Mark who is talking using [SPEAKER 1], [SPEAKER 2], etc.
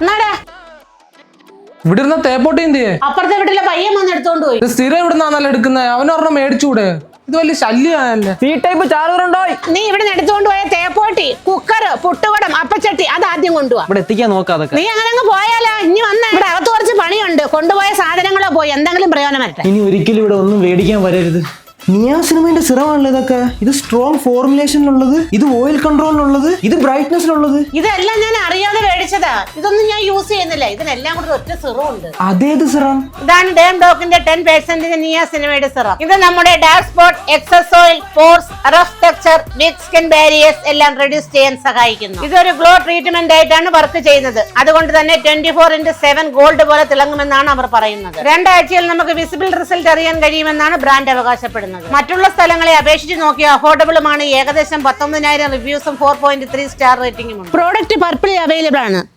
[SPEAKER 1] ഇവിടെ ഇരുന്ന തേപ്പോട്ടി എന്തിയെ?
[SPEAKER 2] അപ്പുറത്തെ വീട്ടിലെ പയ്യൻ വന്ന് എടുത്തോണ്ട് പോയി.
[SPEAKER 1] സ്ഥിരം ഇവിടുന്നാന്നല്ല എടുക്കുന്നത്. അവനൊരെണ്ണം മേടിച്ചൂടെ? ഇത് വലിയ ശല്യമായല്ലേ.
[SPEAKER 3] ഈ ടൈപ്പ് ചാറുണ്ടോ?
[SPEAKER 2] നീ ഇവിടെ എടുത്തോണ്ട് പോയ തേപ്പോട്ടി, കുക്കർ, പുട്ടുകുടം, അപ്പച്ചട്ടി അത് ആദ്യം കൊണ്ടുപോവാ.
[SPEAKER 3] ഇവിടെ എത്തിക്കാൻ നോക്കാതൊക്കെ.
[SPEAKER 2] നീ അങ്ങനെ അങ്ങ് പോയാലോ? ഇനി വന്ന ഇവിടെ അകത്ത് കുറച്ച് പണിയുണ്ട്. കൊണ്ടുപോയ സാധനങ്ങളോ പോയി എന്തെങ്കിലും പ്രയോജനം വരട്ടെ.
[SPEAKER 3] ഇനി ഒരിക്കലും ഇവിടെ ഒന്നും മേടിക്കാൻ വരരുത്. നിയാസിനമൈന്റെ സിറമാണല്ലോ ഇതൊക്കെ. ഇത് സ്ട്രോങ് ഫോർമുലേഷനിലുള്ളത്, ഇത് ഓയിൽ കൺട്രോളിനുള്ളത്, ഇത് ബ്രൈറ്റ്നസിനുള്ളത്.
[SPEAKER 2] ഇതെല്ലാം ഞാൻ അറിയാതെ മേടിച്ചതാ. ഇതൊന്നും ഞാൻ യൂസ് ചെയ്യുന്നില്ല. ഇതിനെല്ലാം കൂടെ ഒറ്റ സിറം ഉണ്ട്.
[SPEAKER 3] അതേത് സിറം?
[SPEAKER 2] ഇതാണ് ഡേം ഡോക്കിന്റെ 10% നിയാസിനമൈഡ് സിറം. ഇത് നമ്മുടെ dark spot, excess oil, pores, rough texture, weak skin barriers എല്ലാം റെഡ്യൂസ് ചെയ്യാൻ സഹായിക്കുന്നു. ഇതൊരു ഗ്ലോ ട്രീറ്റ്മെന്റ് ആയിട്ടാണ് വർക്ക് ചെയ്യുന്നത്. അതുകൊണ്ട് തന്നെ 24/7 ഗോൾഡ് പോലെ തിളങ്ങുമെന്നാണ് അവർ പറയുന്നത്. 2 ആഴ്ചയിൽ നമുക്ക് വിസിബിൾ റിസൾട്ട് അറിയാൻ കഴിയുമെന്നാണ് ബ്രാൻഡ് അവകാശപ്പെടുന്നത്. മറ്റുള്ള സ്ഥലങ്ങളെ അപേക്ഷിച്ച് നോക്കിയ അഫോർഡബിളുമാണ്. ഏകദേശം 19,000 റിവ്യൂസും 4.3 സ്റ്റാർ റേറ്റിംഗും ഉണ്ട്. പ്രോഡക്റ്റ് പർപ്പിൾ അവൈലബിൾ ആണ്.